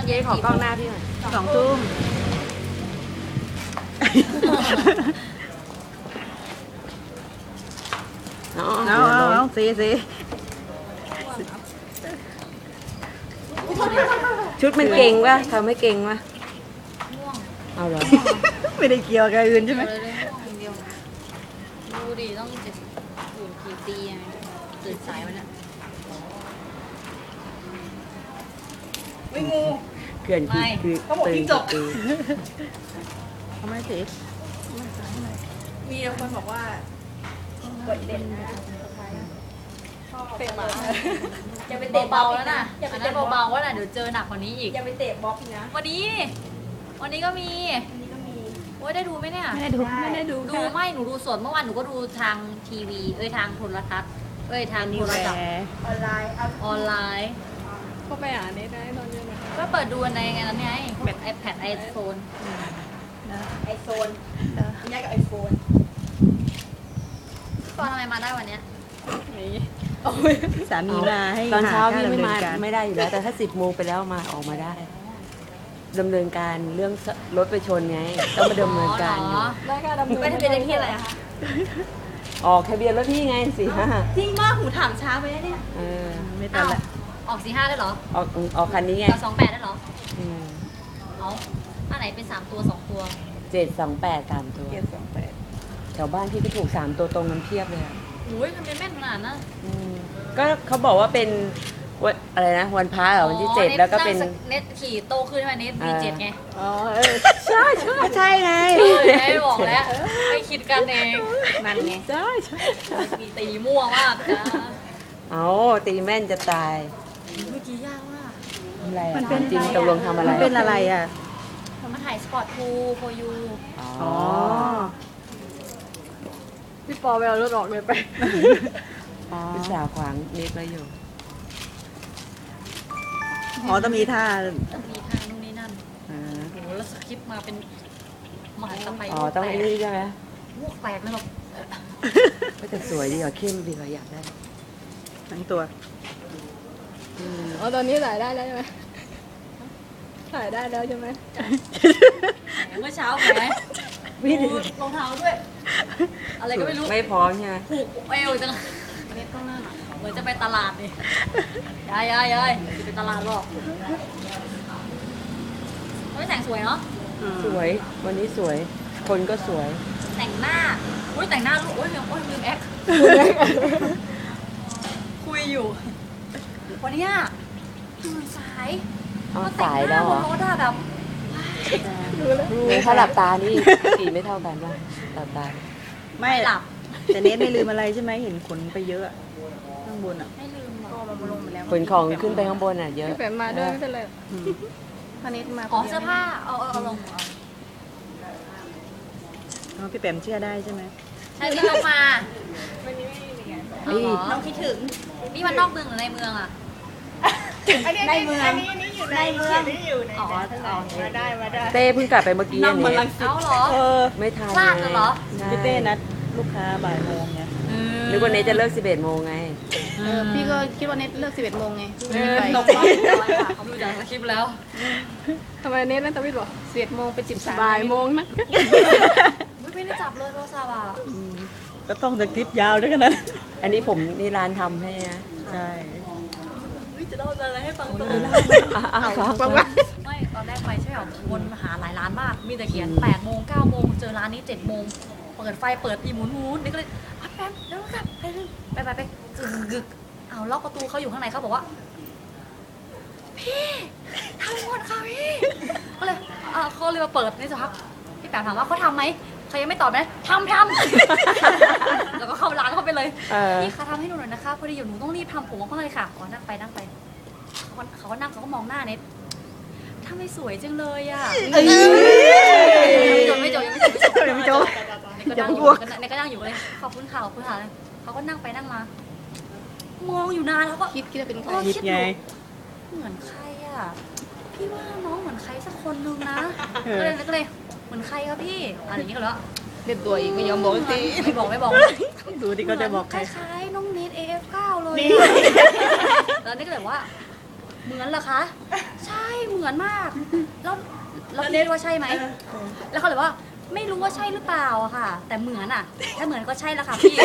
เจ๊ขอกล้องหน้าพี่หน่อย 2 ทุ่ม เอาสีชุดมันเก่งวะทำให้เก่งวะเอาเหรอไม่ได้เกี่ยวกับอื่นใช่ไหมดูดิต้องจะอยู่กี่ตีตื่นสายวันนี้ไม่งูเขื่อนคือเขาบอกจิ้งจกทำไมสีมีคนบอกว่าเปิดเด่นนะเป็นหมาอย่าไปเตะเบาแล้วนะอันนั้นเบาๆว่าน่ะเดี๋ยวเจอหนักกว่านี้อีกอย่าไปเตะบล็อกนะวันนี้ก็มีอันนี้ก็มีโอ้ยได้ดูไหมเนี่ยไม่ได้ดูดูไม่หนูดูสดเมื่อวานหนูก็ดูทางทีวีทางโทรทัศน์ทางโทรศัพท์ออนไลน์เอาออนไลน์เข้าไปอ่านได้ตอนเย็นก็เปิดดูในไงนั้นไงแบบ iPad iPhone ไอโฟนนี่กับไอโฟนตอนทำไมมาได้วันเนี้ยสามีมาให้ตอนเช้าหพี่ไม่มาค่ดำเนินการไม่ได้อยู่แล้ว แต่ถ้า10 โมงไปแล้วมาออกมาได้ดำเนินการเรื่องรถไปชนไงต้องมาดำเนินการอยู่ได้ค่ะดำเนินไปทะเบียนเลขที่อะไรอะคะออกทะเบียนรถพี่ไง45 จริงมากหูถามช้าไปเนี่ยเออไม่ตันละออก45ได้เหรอออกคันนี้ไงกับ28ได้เหรออืมเอาอันไหนเป็น3 ตัว 2 ตัว 728 3 ตัว แถวบ้านพี่ก็ถูก3 ตัวตรงนั้นเพียบเลยอะอุ้ยทำไมแม่นขนาดนั้นอืมก็เขาบอกว่าเป็นวันอะไรนะวันพระเหรอวันที่ 7 แล้วก็เป็นเน็ตขี่โตขึ้นใช่ไหมเน็ตมี7ไงอ๋อใช่ใช่ใช่ไงไม่บอกแล้วไม่คิดกันเองนั่นไงใช่ใช่มีตีมั่วมากจ้าเอาตีแม่นจะตายเมื่อกี้ยากมากอะไรอะถามจริงตกลงทำอะไรมันเป็นอะไรอ่ะมาถ่ายสปอร์ตทูโฟยูอ๋อพี่ปอไปเอารถออกเลยไปวิสาขวางนิดไว้อยู่อ๋อต้องมีท่าต้องมีทางนู่นนี่นั่นอ่าโอ้โหแล้วสคริปต์มาเป็นมหาสไปอ๋อต้องไอ้นี่ใช่ไหมพวกแตกเลยแบบก็จะสวยดีกว่าเข้มดีกว่าอยากได้ทั้งตัวอืมอ๋อตอนนี้ถ่ายได้แล้วใช่ไหมถ่ายได้แล้วใช่ไหมเมื่อเช้าไหมดูรองเท้าด้วย อะไรก็ไม่รู้ไม่พร้อมใช่ไหมผูกเอวจังเน็ตก็น่าหนักเหมือนจะไปตลาดนี่ยายจะไปตลาดหรอกไม่แต่งสวยเนาะสวยวันนี้สวย คนก็สวยแต่งหน้าอุ้ยแต่งหน้าลูกอุ้ยลืมแอคคุยอยู่ วันเนี้ยตื่นสายอ๋อสายแล้วเหรอมาแต่งหน้าบนรถอะแบบถ้าหลับตานี่สีไม่เท่ากันป่ะหลับตาไม่หลับแต่เนทไม่ลืมอะไรใช่ไหมเห็นขนไปเยอะอะข้างบนอ่ะไม่ลืมหรอกมาลงไปแล้วขนของขึ้นไปข้างบนอ่ะเยอะพี่แปมมาด้วยไม่เป็นไรพานิชมาอ๋อเสื้อผ้าเอาลงอ๋อพี่แปมเชื่อได้ใช่ไหมใช่ที่ยกมาวันนี้ไม่มีไงเอาเหรอน้องคิดถึงนี่มันนอกเมืองหรือในเมืองอะในเมืองอยู่ในเมืองอยู่ในอ๋อมาได้มาได้เต้เพิ่งกลับไปเมื่อกี้อันนี้เอาเหรอเออไม่ทันพลาดเหรอใช่พี่เต้นัดลูกค้าบ่ายโมงไงนึกว่าเนทจะเลิก 11 โมงไงพี่ก็คิดว่าเน็ตเลิก11 โมงไงตกรอบเขาดูจากสคริปต์แล้วทำไมเน็ตนั่นทวิตบอก11 โมงไป13บ่ายโมงนะไม่ได้จับเลยโทรศัพท์อะก็ต้องสคริปต์ยาวด้วยกันนั้นอันนี้ผมนี่ร้านทำให้นะใช่จะเล่าอะไรให้ฟังตัวฟังว่าไม่ตอนแรกไปใช่ไหมวนมาหาหลายร้านมาก มีแต่เขียน8 โมง 9 โมง เจอร้านนี้ 7 โมง เปิดไฟเปิดอีหมุนนี่ก็เลยแป๊บเดี๋ยวกลับไปกึกเอาล็อกประตูเขาอยู่ข้างในเขาบอกว่า พี่ทำหมดค่ะพี่ก็เลยเขาเลยมาเปิดนี่สักพักพี่แปมถามว่าเขาทำไหมเขายังไม่ตอบนะทำ แล้วก็เข้าร้านเข้าไปเลย พี่คะทำให้หนูหน่อยนะคะพอดีอยู่หนูต้องรีบทำผมมากๆเลยค่ะขอนั่งไปเขาก็นั่งเขาก็มองหน้าเน็ตทำไมสวยจังเลยอ่ะไม่จบในก็นั่งอยู่เลยขอบคุณค่ะเลยเขาก็นั่งไปนั่งมามองอยู่นานแล้วก็คิดว่าเป็นใครคิดไงเหมือนใครอ่ะพี่ว่าน้องเหมือนใครสักคนนึงนะก็เลยเหมือนใครครับพี่อะไรอย่างนี้ก็แล้วเล่นตัวอีกไม่ยอมบอกทีไม่บอกดูที่เขาจะบอกใครคล้ายๆน้องเนท AF9 เลยแล้วนี่ก็แบบว่าเหมือนเหรอคะ ใช่เหมือนมาก แล้วพี่ว่าใช่ไหม แล้วเขาเลยว่า ไม่รู้ว่าใช่หรือเปล่าอะค่ะ แต่เหมือนอะถ้าเหมือนก็ใช่แล้วค่ะพี่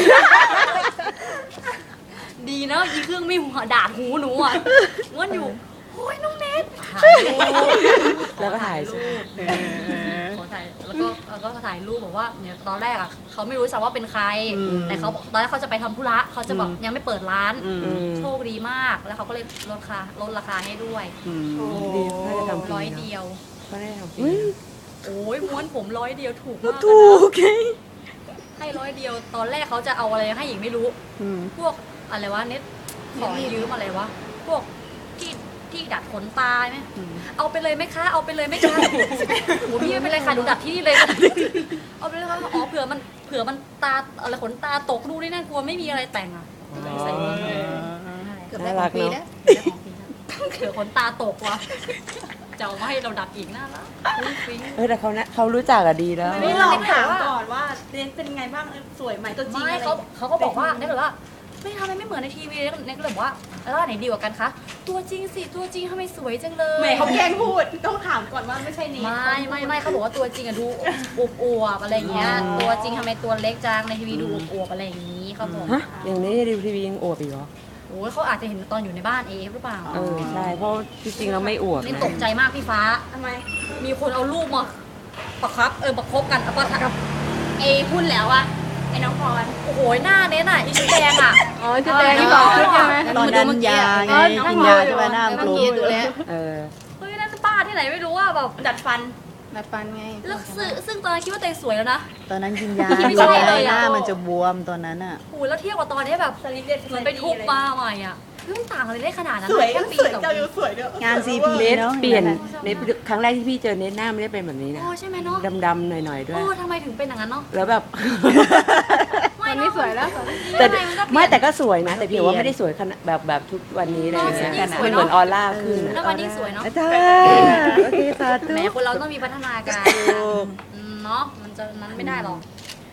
ดีนะอีเครื่องไม่หัวดาดหูหนูอะม้วนอยู่โอ้ยน้องเนทถ่ายรูปแล้วก็ถ่ายรูปขอถ่ายแล้วก็ถ่ายรูปบอกว่าเนี่ยตอนแรกอะเขาไม่รู้สักว่าเป็นใคร แต่เขาตอนแรกเขาจะไปทำธุระเขาจะบอกยังไม่เปิดร้าน โชคดีมากแล้วเขาก็เลยลดราคาให้ด้วยดีน่าจะทำฟร้อยนะเดียวก็ได้ทำฟรีโอ้ยม้วนผมร้อยเดียวถูกมากถูกไงให้ร้อยเดียว ตอนแรกเขาจะเอาอะไรให้อีกไม่รู้ พวกอะไรวะเน็ตขอยืมอะไรวะ พวกที่ดัดขนตาไหมเอาไปเลยไหมคะ เอาไปเลยไหมคะโอ้พี่ไม่เป็นไรค่ะหนูดัดที่นี่เลย เอาไปเลยค่ะอ๋อเผื่อมันตาอะไรขนตาตกดูนี่น่ากลัวไม่มีอะไรแต่งอ่ะใส่เงินเลยเกือบได้ของฟรีแล้วเผื่อขนตาตกว่ะจะเอามาให้เราดัดอีกน่ารักฟิ้งแต่เขารู้จักอะดีแล้วไม่ลองถามก่อนว่าเรียนเป็นไงบ้างสวยไหมตัวจริงไม่อะไรเขาก็บอกว่าเนี่ยแบบว่าไม่ทำไมไม่เหมือนในทีวีเนี่ยก็เลยบอกว่าแล้วอันไหนดีกว่ากันคะตัวจริงสิตัวจริงทำไมสวยจังเลยแหมเขาแกล้งพูดต้องถามก่อนว่าไม่ใช่นี้ไม่เขาบอกว่าตัวจริงอะดูอวบๆอะไรอย่างเงี้ยตัวจริงทำไมตัวเล็กจังในทีวีดูอวบๆอะไรอย่างงี้เขาบอกฮะ อย่างนี้ดูทีวียังอวบอีกเหรอโอ้ยเขาอาจจะเห็นตอนอยู่ในบ้านเอฟหรือเปล่าใช่ เพราะจริงๆเราไม่อวบนี่นะตกใจมากพี่ฟ้าทำไมมีคนเอารูปมาประคบกันเอาประทับเอพูดแล้วอะไอ้น้องพรโอ้โหหน้าเน้นอ่ะอีชุดแดงอ่ะอ๋อจะแดงที่บอกขึ้นใช่ไหมตอนนั้นยาไงกินยาใช่ไหมหน้ามันกลมดูแล้วเออเฮ้ยนั่นป้าที่ไหนไม่รู้อ่ะแบบดัดฟันไงแล้วซึ่งตอนนั้นคิดว่าตัวเองสวยแล้วนะตอนนั้นกินยาไม่ใช่เลยอะหน้ามันจะบวมตอนนั้นอ่ะโอ้โหแล้วเทียบกับตอนนี้แบบสลิปเด็ดเหมือนไปทุบมาใหม่อ่ะเรื่องต่างอะไรได้ขนาดนั้นสวยแค่ปีสวยสองเจ้าปีอยู่สวยด้วยงานซีพีเนทเนาะเปลี่ยนเนทครั้งแรกที่พี่เจอเนทหน้าไม่ได้เป็นแบบนี้นะโอ้ใช่ไหมเนาะดำๆหน่อยๆด้วยโอ้ทำไมถึงเป็นอย่างนั้นเนาะแล้วแบบไม่นี่สวยแล้วแต่ไม่แต่ก็สวยนะ แต่เพียงว่าไม่ได้สวยขนาดแบบทุกวันนี้เลยนะมันเหมือนออร่าขึ้นแล้วอะวันนี้สวยเนาะอาจารย์โอเคสาธุแหมคนเราต้องมีพัฒนาการเนาะมันไม่ได้หรอก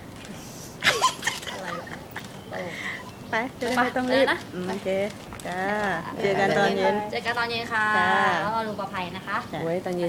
อะไรวะโอ้ไปจะได้ไม่ต้องรีบนะโอเคจ้าเจอกันตอนเย็นเจอกันตอนเย็นค่ะจ้าแล้วก็ดูประภัยนะคะโอ้ยตอนเย็น